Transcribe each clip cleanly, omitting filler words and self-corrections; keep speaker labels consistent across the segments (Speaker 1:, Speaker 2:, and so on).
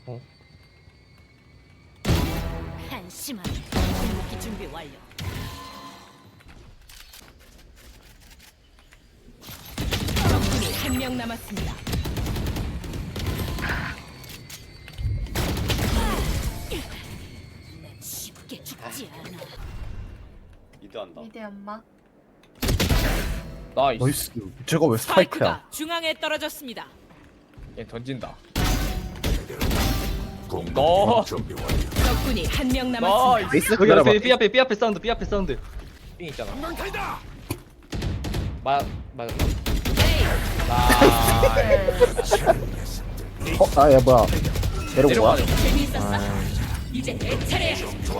Speaker 1: 어?
Speaker 2: 한심한 궁극기 준비 완료. 적군이 한 명 남았습니다. 난 쉽게 죽지 않아.
Speaker 3: 미드한다.
Speaker 4: 미드 연막.
Speaker 1: 나이스.
Speaker 5: 나이스. 제가 왜 스파이크야?
Speaker 2: 스파이크가 중앙에 떨어졌습니다.
Speaker 1: 얘 던진다. 너
Speaker 2: 적군이 한 명 남았습니다.
Speaker 1: 나이스.
Speaker 5: 에이스
Speaker 6: 여기
Speaker 5: 기다려봐.
Speaker 6: 앞에 B 앞에 사운드 B 앞에 사운드.
Speaker 1: 삥 있잖아. 맞아.
Speaker 5: 야 뭐야? 내려온 거야?
Speaker 1: 내려가죠.
Speaker 2: 재미있었어? 이제 내 차례야.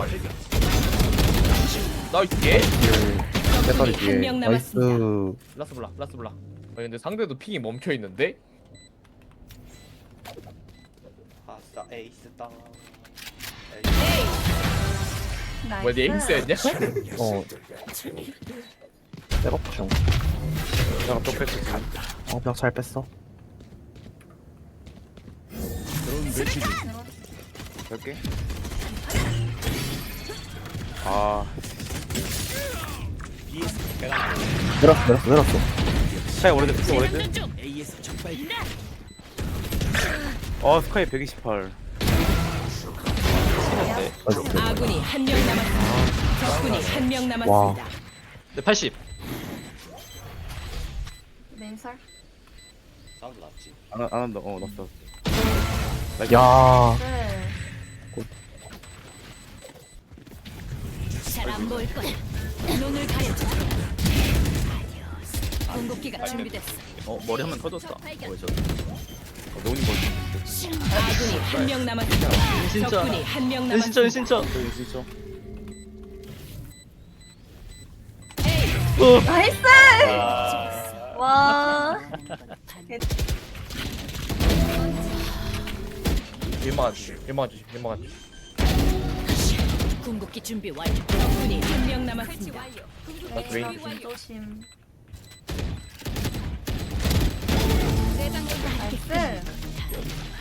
Speaker 1: 나이스. 예?
Speaker 5: 배터리
Speaker 2: 한
Speaker 5: 뒤에.
Speaker 2: 명
Speaker 5: 나이스.
Speaker 2: 남았습니다.
Speaker 1: 라스 블라. 라스 블라. 근데 상대도 핑이 멈춰 있는데?
Speaker 3: 아싸 에이스 땅.
Speaker 4: 나이스.
Speaker 1: 뭐야, 네 에임스였냐?
Speaker 5: 어. 백업 중.
Speaker 1: 내가 또 뺐지.
Speaker 5: 벽 잘 뺐어.
Speaker 7: 몇 개? 아,
Speaker 5: 내렸어.
Speaker 7: 스카이 오래됐어, 오래됐어.
Speaker 2: 장전 중.
Speaker 7: 스카이 128.
Speaker 5: 나이스.
Speaker 2: 아군이 한 명 남았습니다. 적군이 한 명 남았습니다.
Speaker 6: 네 80.
Speaker 4: 맨살.
Speaker 3: 사운드 났지.
Speaker 7: 안 한다, 났어.
Speaker 5: 야.
Speaker 4: 네.
Speaker 2: 잘 안 보일 거야. 눈을 가려줘. 아디오스. 궁극기가 준비됐어.
Speaker 7: 머리 한 번 터졌다.
Speaker 2: 발견.
Speaker 7: 노은 거지.
Speaker 2: 아군이 한 명 남았습니다.
Speaker 6: 진짜.
Speaker 2: 적군이 한 명
Speaker 6: 은신처
Speaker 2: 남았습니다.
Speaker 6: 은신처.
Speaker 7: 진짜.
Speaker 4: 나이스. 와.
Speaker 1: 일망하지.
Speaker 2: 궁극기 준비 완료. 적군이 한 명 남았습니다.
Speaker 4: 레이저 조심. 나이스.